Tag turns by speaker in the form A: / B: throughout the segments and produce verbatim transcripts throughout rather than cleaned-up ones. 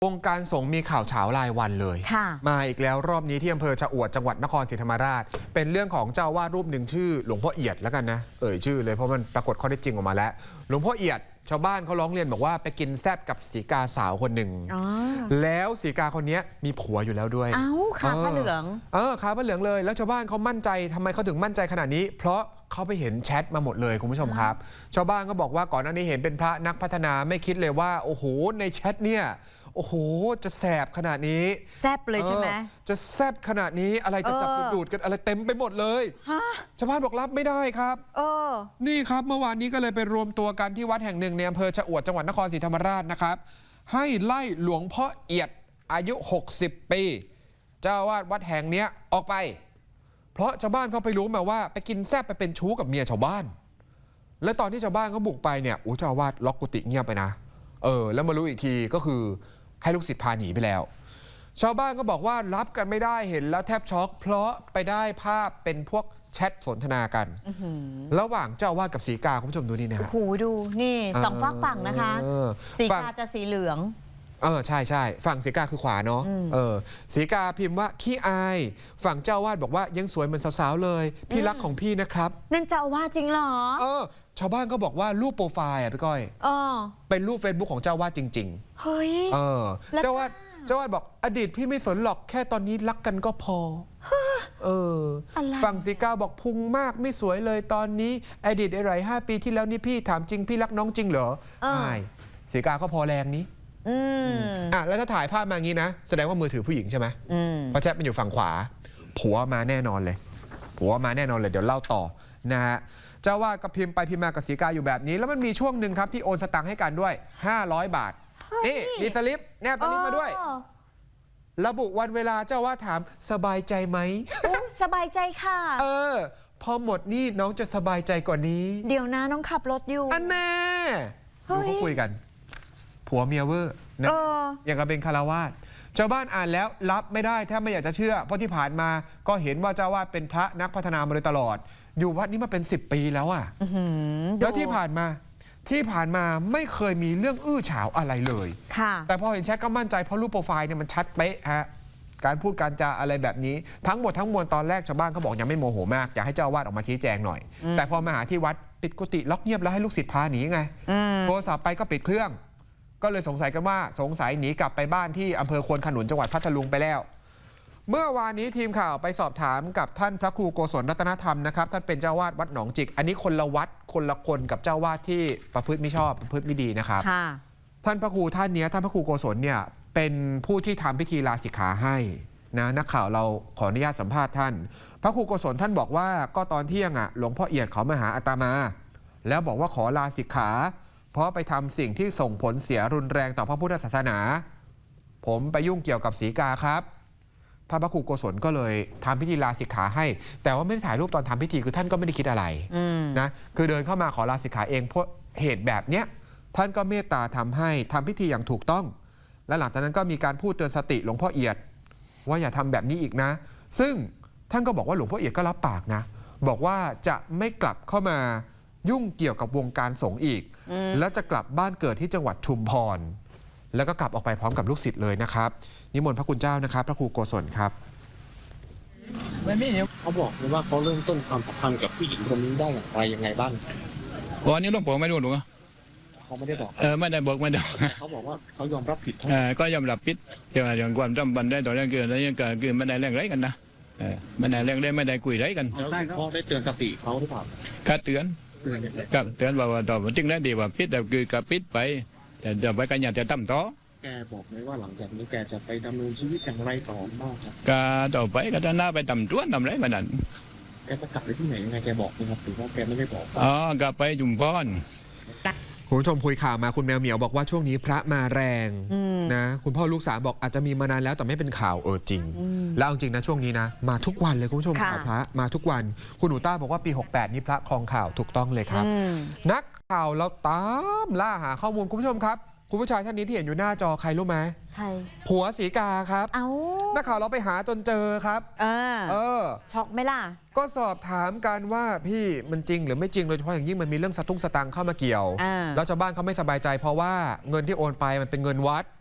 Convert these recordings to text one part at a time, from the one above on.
A: วงการสงฆ์มีข่าวเฉารายวันเลยมาอีกแล้วรอบนี้ที่อำเภอชะอวดจังหวัดนครศรีธรรมราชเป็นเรื่องของเจ้าวาดรูปหนึ่งชื่อหลวงพ่อเอียดแล้วกันนะเอ่ยชื่อเลยเพราะมันปรากฏข้อเท็จจริงออกมาแล้วหลวงพ่อเอียดชาวบ้านเขาร้องเรียนบอกว่าไปกินแซบกับสีกาสาวคนหนึ่งแล้วสีกาคนนี้มีผัวอยู่แล้วด้วย
B: เอ้าขาผ้าเหลือง
A: เออขาผ้าเหลืองเลยแล้วชาวบ้านเขามั่นใจทำไมเขาถึงมั่นใจขนาดนี้เพราะเขาไปเห็นแชทมาหมดเลยคุณผู้ชมครับชาวบ้านก็บอกว่าก่อนหน้านี้เห็นเป็นพระนักพัฒนาไม่คิดเลยว่าโอ้โหในแชทเนี่ยโอ้โหจะแสบขนาดนี้
B: แซบเลยใช่ไหม
A: จะแซบขนาดนี้อะไรจะจับดูดกันอะไรเต็มไปหมดเลยชาวบ้านบอกรับไม่ได้ครับนี่ครับเมื่อวานนี้ก็เลยไปรวมตัวกันที่วัดแห่งหนึ่งในอำเภอชะอวดจังหวัดนครศรีธรรมราชนะครับให้ไล่หลวงพ่อเอียดอายุหกสิบปีเจ้าวาดวัดแห่งนี้ออกไปเพราะชาวบ้านเขาไปรู้มาว่าไปกินแซบไปเป็นชู้กับเมียชาวบ้านและตอนที่ชาวบ้านเขาบุกไปเนี่ยโอ้เจ้าวาดล็อกกุฏิเงียบไปนะเออแล้วมารู้อีกทีก็คือให้ลูกศิษย์พาหนีไปแล้วชาวบ้านก็บอกว่ารับกันไม่ได้เห็นแล้วแทบช็อกเพราะไปได้ภาพเป็นพวกแชทสนทนากันระหว่างเจ้าอาวาสกับสีกาคุณผู้ชมดูนี่นะฮะ
B: โอ้โหดูนี่สองฝั่งฝั่งนะคะสีกาจะสีเหลือง
A: เออใช่ใช่ฝั่งสีกาคือขวาเนาะเออสีกาพิมพ์ว่าขี้อายฝั่งเจ้าอาวาสบอกว่ายังสวยเหมือนสาวๆเลยพี่รักของพี่นะครับ
B: นั่นเจ้าอาวาสจริงเหรอ
A: เออชาวบ้านก็บอกว่ารูปโปรไฟล์อ่ะพี่ก้อยเป็นรูป Facebook ของเจ้าอาวาสจริง
B: ๆเฮ้ย
A: เออเจ้าอาวาสเจ้าอาวาสบอกอดีตพี่ไม่สนหรอกแค่ตอนนี้รักกันก็พอเออฝั่งสีกาบอกพุงมากไม่สวยเลยตอนนี้อดีตอะไรห้าปีที่แล้วนี่พี่ถามจริงพี่รักน้องจริงเหรอใช่สีกาก็พอแรงนี้อืมอ่ะแล้วถ้าถ่ายภาพมางี้นะแสดงว่ามือถือผู้หญิงใช่ไหมเพราะแชทมันอยู่ฝั่งขวาผัวมาแน่นอนเลยผัวมาแน่นอนเลยเดี๋ยวเล่าต่อนะฮะเจ้าว่าก็พิมพ์ไปพิมพ์มากับสีกาอยู่แบบนี้แล้วมันมีช่วงหนึ่งครับที่โอนสตังค์ให้กันด้วยห้าร้อยบาทนี่มีสลิปแนบสลิปมาด้วยระบุวันเวลาเจ้าว่าถามสบายใจไหม
B: สบายใจค่ะ
A: เออพอหมดนี่น้องจะสบายใจกว่านี้
B: เดี๋ยวนะน้องขับรถอยู่
A: อันแน่ดูเขาคุยกันผัวเมียเวอร์นะอย่างกับเป็นคารวาสชาวบ้านอ่านแล้วรับไม่ได้แทบไม่อยากจะเชื่อเพราะที่ผ่านมาก็เห็นว่าเจ้าวาดเป็นพระนักพัฒนามาโดยตลอดอยู่วัดนี้มาเป็นสิบปีแล้วอ่ะแล้วที่ผ่านมาที่ผ่านมาไม่เคยมีเรื่องอื้อฉาวอะไรเลยแต่พอเห็นแชทก็มั่นใจเพราะรูปโปรไฟล์เนี่ยมันชัดเป๊ะฮะการพูดการจาอะไรแบบนี้ทั้งหมดทั้งมวลตอนแรกชาวบ้านเขาบอกยังไม่โมโหมากอยากให้เจ้าวาดออกมาชี้แจงหน่อยแต่พอมาหาที่วัดปิดกุฏิล็อกเงียบแล้วให้ลูกศิษย์พาหนีไงโทรศัพท์ไปก็ปิดเครื่องก็เลยสงสัยกันว่าสงสัยหนีกลับไปบ้านที่อำเภอควนขนุนจังหวัดพัทลุงไปแล้วเมื่อวานนี้ทีมข่าวไปสอบถามกับท่านพระครูโกศลรัตนธรรมนะครับท่านเป็นเจ้าวาดวัดหนองจิกอันนี้คนละวัดคนละคนกับเจ้าวาดที่ประพฤติไม่ชอบประพฤติไม่ดีนะครับท่านพระครูท่านนี้ท่านพระครูโกศลเนี่ยเป็นผู้ที่ทำพิธีลาสิกขาให้นะนักข่าวเราขออนุญาตสัมภาษณ์ท่านพระครูโกศลท่านบอกว่าก็ตอนเที่ยงอ่ะหลวงพ่อเอียดเขามาหาอาตมา แล้วบอกว่าขอลาสิกขาเพราะไปทำสิ่งที่ส่งผลเสียรุนแรงต่อพระพุทธศาสนาผมไปยุ่งเกี่ยวกับสีกาครับพระพระครูโกศลก็เลยทำพิธีลาสิกขาให้แต่ว่าไม่ได้ถ่ายรูปตอนทำพิธีคือท่านก็ไม่ได้คิดอะไรนะคือเดินเข้ามาขอลาสิกขาเองเพราะเหตุแบบเนี้ยท่านก็เมตตาทำให้ทำพิธีอย่างถูกต้องและหลังจากนั้นก็มีการพูดเตือนสติหลวงพ่อเอียดว่าอย่าทำแบบนี้อีกนะซึ่งท่านก็บอกว่าหลวงพ่อเอียดก็รับปากนะบอกว่าจะไม่กลับเข้ามายุ่งเกี่ยวกับวงการสงฆ์อีกและจะกลับบ้านเกิดที่จังหวัดชุมพรแล้วก็กลับออกไปพร้อมกับลูกศิษย์เลยนะครับนิมนต์พระคุณเจ้านะครับพระครูโกศลครับ
C: ไม่ไม่เขาบอกเลยว่าเขาเริ่มต้นความสัมพันธ์กับผู้หญิงคนนี้ได้อย่างไรยังไงบ้าง
D: วันนี้หลวงปู่ไม่รู้หรือ
C: เขาไม่ได้บอก
D: เออไม่ได้บอกไม่ได้
C: เขาบอกว่าเขายอมรับผิด
D: เออก็ยอมรับผิดเกี่ยวกับเรื่องความจำเป็นได้ต่อเรื่องเกิดอะไรยังเกิดคือไม่ได้เรื่องไรกันนะเออไม่ได้เรื่องได้ไม่ได้คุยไรกัน
C: เขาได้เตือนสติเขาหรือเปล่า
D: ก็เตือนกับเตือนว่าต่อจริงแล้วดีว่าพิษแต่คือกับพิษไปแต่เดี๋ยวไปกันอย่าจะตั้มต่อ
C: แกบอกไหมว่าหลังจากนี้แกจะไปดำเนินชีวิตอย่างไรต่อบ้างครับ
D: ก็ต่อไปก็จะน่าไปทำจ้วนทำไรแบบนั้น
C: แกจะกลับไปที่ไหนยังไงแกบอกไหมครับหรือว่าแกไม่ได้บอก
D: อ๋อกลับไปจุมพร
A: คุณผู้ชมคุยข่าวมาคุณแมวเหมียวบอกว่าช่วงนี้พระมาแรงนะคุณพ่อลูกสาวบอกอาจจะมีมานานแล้วแต่ไม่เป็นข่าวเออจริงแล้วจริงนะช่วงนี้นะมาทุกวันเลยคุณผู้ชมข่าวพระมาทุกวันคุณหนูต้าบอกว่าปีหกแปดนี้พระครองข่าวถูกต้องเลยครับนักข่าวเราตามล่าหาข้อมูลคุณผู้ชมครับคุณผู้ชายท่านนี้ที่เห็นอยู่หน้าจอใครรู้ไหม
B: ใคร
A: ผัวสีกาครับ
B: เอ้า
A: นักข่าวเราไปหาจนเจอครับ
B: เออเออช็อกไหมล่ะ
A: ก็สอบถามกันว่าพี่มันจริงหรือไม่จริงโดยเฉพาะอย่างยิ่งมันมีเรื่องสตุ้งสตังเข้ามาเกี่ยวแล้วชาวบ้านเขาไม่สบายใจเพราะว่าเงินที่โอนไปมันเป็นเงินวัด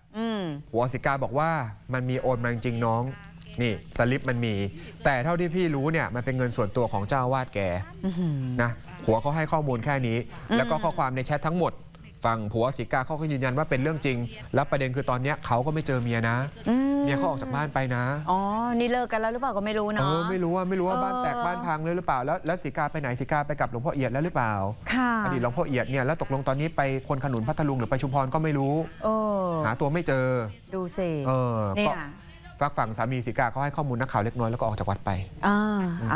B: อืม
A: หัวสิกาบอกว่ามันมีโอนมาจริงๆน้องนี่สลิปมันมี แต่เท่าที่พี่รู้เนี่ยมันเป็นเงินส่วนตัวของเจ้าอาวาสแก
B: อื้อหือ
A: นะผัวเขาให้ข้อมูลแค่นี้ แล้วก็ข้อความในแชททั้งหมดฝั่งผัวสิกาเขาก็ยืนยันว่าเป็นเรื่องจริง แล้วประเด็นคือตอนเนี้ยเขาก็ไม่เจอเมียนะ
B: อืม
A: เมียเขาออกจากบ้านไปนะ
B: อ๋อ นี่เลิกกันแล้วหรือเปล่าก็ไม่รู้
A: เอ
B: เนาะ
A: อไม่รู้ว่าไม่รู้ว่า
B: เออ
A: บ้านแตกบ้านพังเลยหรือเปล่าแล้วแล้วสิกาไปไหนสิกาไปกับหลวงพ่อเอียดแล้วหรือเปล่า
B: ค่ะ
A: อดีตหลวงพ่อเอียดเนี่ยแล้วตกลงตอนนี้ไปคนขนุนพัทลุงหรือไปชุมพรก็ไม่รู้
B: เออ
A: หาตัวไม่เจอ
B: ดูสิ
A: เออ
B: เนี่
A: ก็
B: ย
A: ฝากฝั่งสามีสิกาเขาให้ข้อมูลนักข่าวเล็กน้อยแล้วก็ออกจากวัดไป
B: อ่า